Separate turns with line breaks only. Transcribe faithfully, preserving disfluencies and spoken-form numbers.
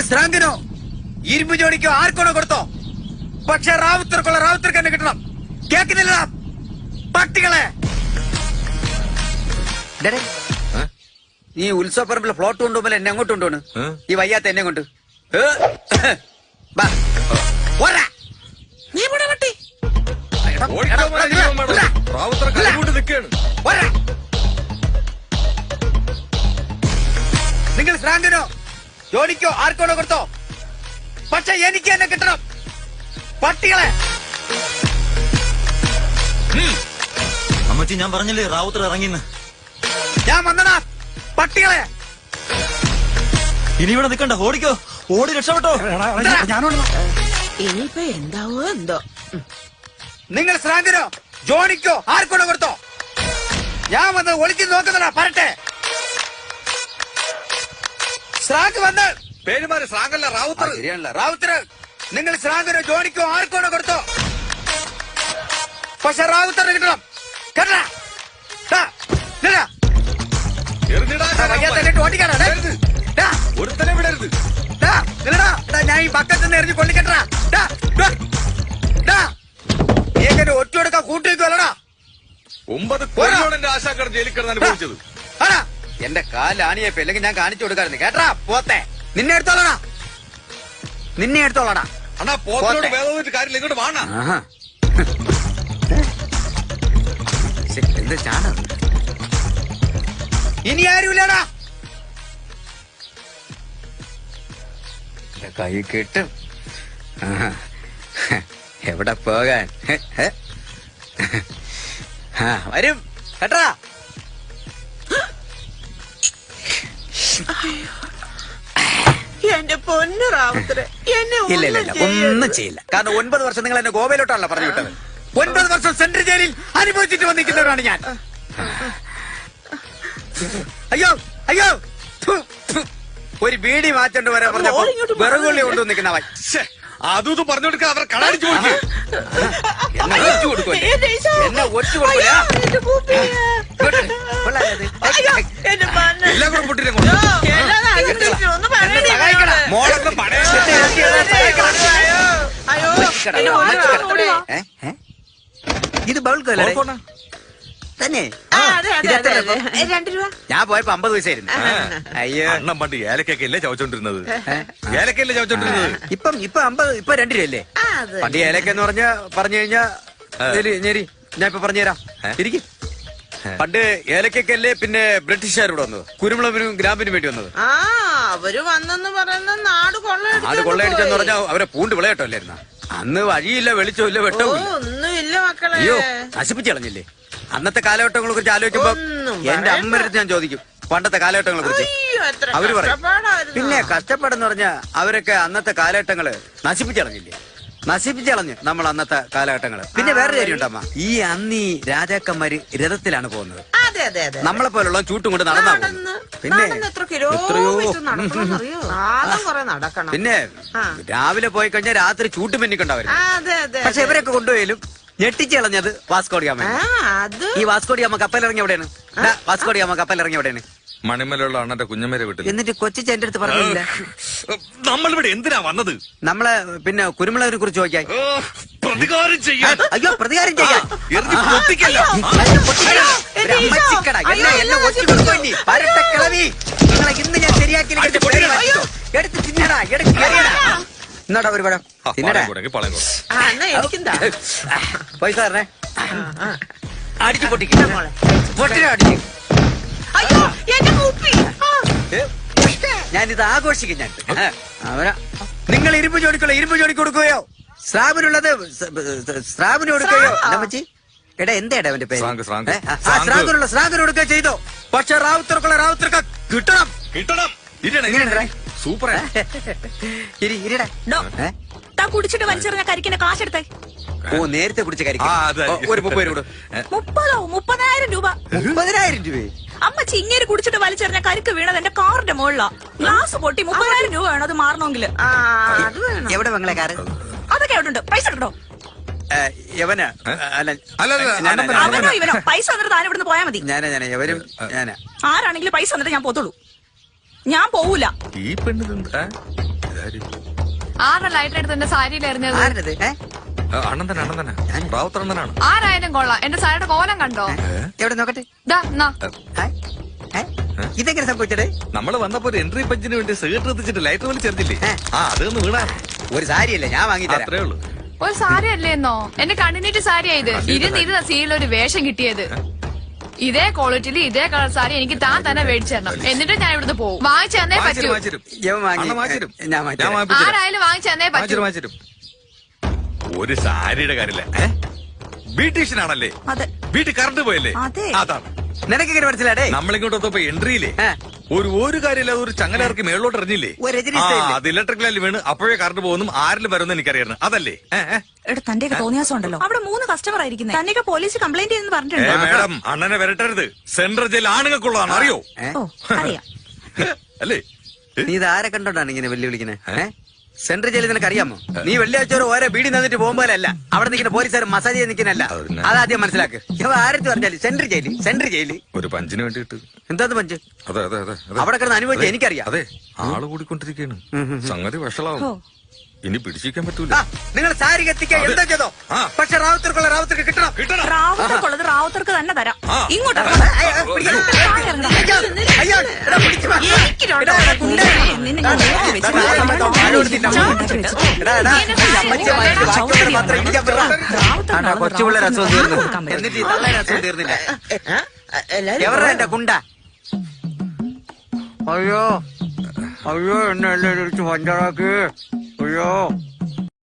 സ്രാങ്കിനോ ഇരുമ്പ് ജോഡിക്കോ ആർക്കോണോ കൊടുത്തോ, പക്ഷെ റാവുത്തർക്കുള്ള റാവുത്തർക്ക് തന്നെ കിട്ടണം. കേൾക്കുന്നില്ല പട്ടികളെ? നീ ഉത്സവപ്പറമ്പിലെ ഫ്ലോട്ട് കൊണ്ടുപോകുമ്പോൾ എന്നെ അങ്ങോട്ട് കൊണ്ടുപോണ്, ഈ വയ്യാത്ത എന്നെ കൊണ്ട്. നിങ്ങൾ ശ്രാങ്കനോ ജോഡിക്കോ ആർക്കോണോ കൊടുത്തോ, പക്ഷെ എനിക്ക് എന്നെ കിട്ടണം. പട്ടികളെ!
അമ്മച്ചി ഞാൻ പറഞ്ഞില്ലേ റാവുത്തർ ഇറങ്ങിന്ന്.
ഞാൻ വന്നടാ പട്ടികളെ.
ഇനി ഇവിടെ നിൽക്കണ്ട, ഓടിക്കോ, ഓടി രക്ഷപ്പെട്ടോ.
ഇനിയിപ്പോ എന്താവോ എന്തോ.
നിങ്ങൾ ശ്രാങ്കനോ ജോണിക്കോ ആർക്കോണോ കൊടുത്തോ, ഞാൻ വന്ന് ഒളിച്ചു നോക്കുന്നതാ. പറട്ടെ ശ്രാങ്ക് വന്ന്
പേരുമാര് ശ്രാങ്കല്ല റാവുത്തർ.
ശരിയാണല്ലോ റാവുത്തർ. നിങ്ങൾ ശ്രാങ്കനോ ജോണിക്കോ ആർക്കോണോ കൊടുത്തോ, പക്ഷെ റാവുത്തറിന് കിട്ടണം. കേട്ടാ
ഒരുത്തനെ വിടരുത്.
ഞാൻ ഈ പക്കത്ത് നിന്ന് എറിഞ്ഞ് കൊള്ളിക്കെട്ടാ. ഏകനെ ഒറ്റ കൊടുക്കാൻ കൂട്ടിവെക്കുവല്ലടാ.
ഒമ്പത് കൊല്ലം ആശാക്കട ജയിലിൽ കിടന്ന് അനുഭവിച്ചത്.
ആടാ എന്റെ കാലാണിയപ്പോ അല്ലെങ്കിൽ ഞാൻ കാണിച്ചു കൊടുക്കാറുണ്ട്. കേട്ടാ പോത്തെ, നിന്നെ എടുത്തോളടാ, നിന്നെ എടുത്തോളടാ.
അണ്ണാ പോത്തോട് വേദോട്ട് കാര്യമില്ല, ഇങ്ങോട്ട് വാണ.
എന്ത് ചാണ, ഇനി ആരുമില്ലടാ. കൈ കിട്ടും. എവിടെ പോകാൻ വരും കേട്ടാ.
എന്റെ പൊന്നു റാവുത്തരെ, എന്നെ
ഇല്ല ഇല്ല ഇല്ല ഒന്നും ചെയ്യില്ല. കാരണം ഒൻപത് വർഷം നിങ്ങൾ എന്നെ ഗോവയിലോട്ടാണല്ലോ പറഞ്ഞു വിട്ടത്. ഒൻപത് വർഷം സെൻട്രൽ ജയിലിൽ അനുഭവിച്ചിട്ട് വന്നിരിക്കുന്നവരാണ് ഞാൻ. അയ്യോ അയ്യോ, ഒരു ബീഡി മാറ്റേണ്ടി വരാൻ പറഞ്ഞപ്പോ വിറകുള്ളി കൊണ്ടുവന്ന് നിൽക്കുന്നവൻ.
അതും പറഞ്ഞു കൊടുക്കാൻ അവർ കടാടിച്ചു കൊടുക്കും.
എന്നെ ഒറ്റ കൊടുക്കും, എന്നെ ഒറ്റ കൊടുക്കൂല.
എല്ലാം കൂടെ പൊട്ടിനെ
മോളൊക്കെ പണയ ഇത് ബൗൾക്കല്ലേ തന്നെ?
രണ്ട് രൂപ.
ഞാൻ പോയപ്പോ അമ്പത് പൈസ ആയിരുന്നു. അയ്യോ
അണ്ണം പണ്ട് ഏലക്കൊക്കെ അല്ലേ ചവച്ചോണ്ടിരുന്നത്? ഏലക്കല്ലേ ചവച്ചോണ്ടിരുന്നത്?
ഇപ്പം ഇപ്പൊ അമ്പത്, ഇപ്പൊ രണ്ട് രൂപയല്ലേ? പണ്ട് ഏലക്കെന്ന് പറഞ്ഞ പറഞ്ഞു കഴിഞ്ഞാ ഞെരി. ഞാൻ ഇപ്പൊ പറഞ്ഞുതരാം, ഇരിക്കും. പണ്ട് ഏലക്കല്ലേ പിന്നെ ബ്രിട്ടീഷുകാരോട് വന്നത്, കുരുമുളകിനും ഗ്രാമ്പിനും വേണ്ടി വന്നത്.
ആ അവര് വന്നെന്ന് പറയുന്ന നാട് കൊള്ളയടിച്ചു.
നാട് കൊള്ളയടിച്ചെന്ന് പറഞ്ഞാൽ അവരെ പൂണ്ട് വിളയട്ടോ അല്ലായിരുന്ന. അന്ന് വഴിയില്ല, വെളിച്ചമില്ല, വെട്ടവും
ഒന്നുമില്ല മക്കളെ.
അയ്യോ നശിപ്പിച്ചു കളഞ്ഞില്ലേ. അന്നത്തെ കാലഘട്ടങ്ങളെ കുറിച്ച് ആലോചിക്കുമ്പോ എന്റെ അമ്മയുടെ ഞാൻ ചോദിക്കും പണ്ടത്തെ കാലഘട്ടങ്ങളെ കുറിച്ച്. അവര് പറയും പിന്നെ കഷ്ടപ്പാടെന്ന് പറഞ്ഞാ അവരൊക്കെ അന്നത്തെ കാലഘട്ടങ്ങള് നശിപ്പിച്ചു കളഞ്ഞില്ലേ. നശിപ്പിച്ചു കളഞ്ഞ് നമ്മൾ അന്നത്തെ കാലഘട്ടങ്ങള്. പിന്നെ വേറെ കാര്യം ഉണ്ടമ്മ, ഈ അന്നീ രാജാക്കന്മാര് രഥത്തിലാണ് പോകുന്നത്. നമ്മളെ പോലുള്ള ചൂട്ടും കൊണ്ട് നടന്നാ പോകുന്നത്. പിന്നെ എത്രയോ പിന്നെ രാവിലെ പോയി കഴിഞ്ഞാൽ രാത്രി ചൂട്ടും പെന്നിക്കൊണ്ടാവരുന്നു. പക്ഷെ ഇവരൊക്കെ കൊണ്ടുപോയാലും ഞെട്ടിച്ച് കളഞ്ഞത് വാസ്കോഡിയാമ. ഈ വാസ്കോഡിയാമ കപ്പലിറങ്ങി എവിടെയാണ്? വാസ്കോഡിയാമ കപ്പലിറങ്ങി എവിടെയാണ്?
മണിമലയുള്ള അണ്ണന്റെ കുഞ്ഞമ്മേരെ വീട്ടിൽ.
എന്നിട്ട് കൊച്ചിച്ച് എന്റെ അടുത്ത് പറഞ്ഞില്ല
നമ്മളിവിടെ എന്തിനാ വന്നത്?
നമ്മളെ പിന്നെ കുരുമുളകിനെ കുറിച്ച് ചോദിക്കാൻ.
പ്രതികാരം ചെയ്യാൻ.
അയ്യോ പ്രതികാരം ചെയ്യാൻ നിങ്ങളെ ഇന്ന് ഞാൻ ശരിയാക്കി എടുത്ത് തിന്നടാ, എടുത്ത് എന്നാടാ ഒരു പഴം തിന്നടാ. പൈസ തരണേ. അടിച്ചു പൊട്ടിക്കും, പൊട്ടിനെ അടിച്ചു. ഞാനിത് ആഘോഷിക്കും. ഞാൻ അവരാ നിങ്ങൾ ഇരുമ്പ് ജോലിക്കുള്ള ഇരുമ്പ് ജോലിക്ക് കൊടുക്കുകയോ സ്രാബിനുള്ളത് സ്രാബിന് കൊടുക്കുകയോ നമ്മച്ചി. എടാ എന്താ അവന്റെ പേര്? സ്രാഗിനുള്ള സ്രാഗിന് കൊടുക്കുക ചെയ്തോ. പക്ഷെ റാവുത്തർക്കുള്ള റാവുത്തർക്ക് കിട്ടണം, കിട്ടണം.
സൂപ്പർ.
കുടിച്ചിട്ട് വലിച്ചെറിഞ്ഞ കരിക്കിന്റെ കാശെടുത്തേ.
ഓ നേരത്തെ കുടിച്ച കരിക്ക് ഒരു മുപ്പത് രൂപ.
മുപ്പതോ? മുപ്പതിനായിരം രൂപ.
മുപ്പതിനായിരം രൂപ?
അമ്മച്ചി ഇങ്ങനെ കുടിച്ചിട്ട് വലിച്ചെറിഞ്ഞ കരിക്ക് വീണത് എന്റെ കാറിന്റെ മുകളിലാ. ഗ്ലാസ് പൊട്ടി മുപ്പതിനായിരം രൂപ വേണം അത് മാറണമെങ്കിൽ.
എവിടെ ബംഗ്ലാ കാറ്?
അതൊക്കെ എവിടെ ഉണ്ട്? പൈസ ഉണ്ടോ? അവനോ ഇവനോ പൈസ വന്നിട്ട് താൻ ഇവിടുന്ന് പോയാ മതി.
ഞാനാ
ആരാണെങ്കിലും പൈസ വന്നിട്ട് ഞാൻ പോത്തുള്ളൂ. ഞാൻ പോവൂല.
ഈ പെണ്ണ് ഇതാര്?
ആരുടെ ലൈറ്റ് എടുത്ത് എന്റെ സാരിയിൽ എറിഞ്ഞത്?
ആരുടേത് ഏ?
ആ, അണ്ണൻ തന്നെ അണ്ണൻ തന്നെ റാവുത്തർ അണ്ണനാണ്.
ആരായാലും കൊള്ളാം. എന്റെ സാരിയുടെ കോലം കണ്ടോ?
എവിടെ നോക്കട്ടെ.
ദാ, എന്നാ.
ഏ? ഏ? ഇതെങ്ങനെ സംഭവിച്ചത്?
നമ്മള് വന്നപ്പോ ഒരു എൻട്രി പഞ്ചിന് വേണ്ടി സിഗരറ്റ് എത്തിച്ചിട്ട് ലൈറ്റർ വലി ചേർത്തില്ലേ?
ഏ.
ആ അതൊന്ന് വീണാ
ഒരു സാരിയല്ലേ ഞാൻ വാങ്ങി തരാം.
അത്രേ ഉള്ളൂ.
ഒരു സാരി അല്ലേന്നോ? എന്റെ കണ്ണിനീറ്റ് സാരി ആയത്. ഇരുന്നിരുന്ന സീരിയൽ ഒരു വേഷം കിട്ടിയത്. ഇതേ ക്വാളിറ്റിയിൽ ഇതേ കളർ സാരി എനിക്ക് താൻ തന്നെ മേടിച്ചു തരണം. എന്നിട്ട് ഞാൻ ഇവിടുന്ന് പോകും. വാങ്ങിച്ചു തന്നേ പറ്റൂ.
വാങ്ങിച്ചിരും, വാങ്ങിച്ചിരും.
ഇവൻ വാങ്ങി.
അണ്ണൻ വാങ്ങിച്ചിരും.
ഞാൻ വാങ്ങിച്ചു
ഞാൻ
തരാം.
വാങ്ങിപ്പിച്ചുതരാം.
ആരായാലും വാങ്ങിച്ചു തന്നേ പറ്റൂ.
വാങ്ങിച്ചിരും, വാങ്ങിച്ചിരും. ഒരു സാരിയുടെ കാര്യമില്ല. ബ്യൂട്ടീഷ്യനാണല്ലേ?
അതെ
വീട്ടിൽ കറണ്ട് പോയല്ലേ?
അതെ.
അതാണ്.
നിനക്ക് ഇങ്ങനെ മനസ്സിലാടേ?
നമ്മളിങ്ങോട്ട് വന്നപ്പോ എൻട്രിയില്ലേ
ഏ.
ഒരു ഒരു കാര്യമില്ല, ഒരു ചങ്ങലിറക്കി മേളിലോട്ട് എറിഞ്ഞില്ലേ?
ഒരു രജനി
ആ
സ്റ്റൈലില്.
അത് ഇലക്ട്രിക് ലൈനിൽ വീണ് അപ്പോഴേ കറണ്ട് പോകുന്നു. ആരിലും വരുമെന്ന് എനിക്കറിയായിരുന്നു. അതല്ലേ? ഏ, ഏ.
എടാ തന്റെയൊക്കെ തോന്നിയാസം ഉണ്ടല്ലോ. അവിടെ മൂന്ന് കസ്റ്റമർ ആയിരിക്കുന്നത്. തന്നെയൊക്കെ പോലീസ് കംപ്ലൈന്റ് ചെയ്യുന്നു
ഏ
പറഞ്ഞിട്ടുണ്ട്.
മേഡം, അണ്ണനെ വരട്ടരുത്. സെൻട്രൽ ജയിൽ ആണുങ്ങൾക്കുള്ളതാണ്, അറിയോ?
ഏ?
ഓ അറിയാം.
അല്ലേ?
നീ ഇത് ആരെ കണ്ടോണ്ടാണ് ഇങ്ങനെ വെല്ലുവിളിക്കുന്നത്? ഏഹ് സെൻട്രൽ ജയിലിൽ നിനക്ക് അറിയാമോ? നീ വെള്ളിയാഴ്ച ഒരു ഓരോ ബീഡി തന്നിട്ട് പോകുമ്പോഴല്ല അവിടെ നിൽക്കുന്ന പോലീസുകാർ മസാജ് ചെയ്ത് നിൽക്കുന്നല്ല.
അതിനെ-
അതാദ്യം മനസ്സിലാക്ക്. ഇവ ആരത്ത് പറഞ്ഞാല് സെൻട്രൽ ജയില് സെൻട്രൽ ജയില്
ഒരു പഞ്ചിന് വേണ്ടിട്ട്.
എന്താന്ന് പഞ്ച്
അതെ അതെ അതെ അതെ.
അവിടെ കിടന്ന് അനുഭവിച്ച
അതെ,
എനിക്കറിയാം.
അതെ, ആള് കൂടിക്കൊണ്ടിരിക്കുകയാണ്. സംഗതി വഷളാവും.
ഓ.
ഇനി പിടിച്ചിരിക്കാൻ പറ്റൂല.
ആ, നിങ്ങൾ സാരി കത്തിക്കാൻ എന്താ ചെയ്തോ?
ആ.
പക്ഷെ റാവുത്തർക്കുള്ള റാവുത്തർക്ക് കിട്ടണം.
കിട്ടണം.
റാവുത്തർക്കുള്ളത് റാവുത്തർക്ക് തന്നെ തരാം.
ആ.
ഇങ്ങോട്ട്
അയ്യ, അയ്യ, പിടിക്കണം. അയ്യോ, അയ്യോ, എടാ, പിടിച്ച് വാ. എടാ, എടാ, ഗുണ്ടേ.
നിന്നെ ഞാൻ നോക്കി വെച്ചു.
എടാ, എടാ, എടാ, താഴെ കൊടുത്തിട്ട് അമ്മ. എടാ, എടാ, ഈ അമ്മച്ചിയെ മാറ്റി ബാക്കിയുള്ളവരെ മാത്രം ഇടിക്കാൻ പറ. ആണ്ടാ, കൊച്ചുപിള്ളേരെ അസുഖം തീർന്നു. എന്നിട്ട് ഈ തള്ളേരെ അസുഖം തീർന്നില്ല. എവരുടെ എന്റെ കുണ്ട? അയ്യോ അയ്യോ എന്നെ എല്ലാം ഇടിച്ച് പഞ്ചറാക്കി. അയ്യോ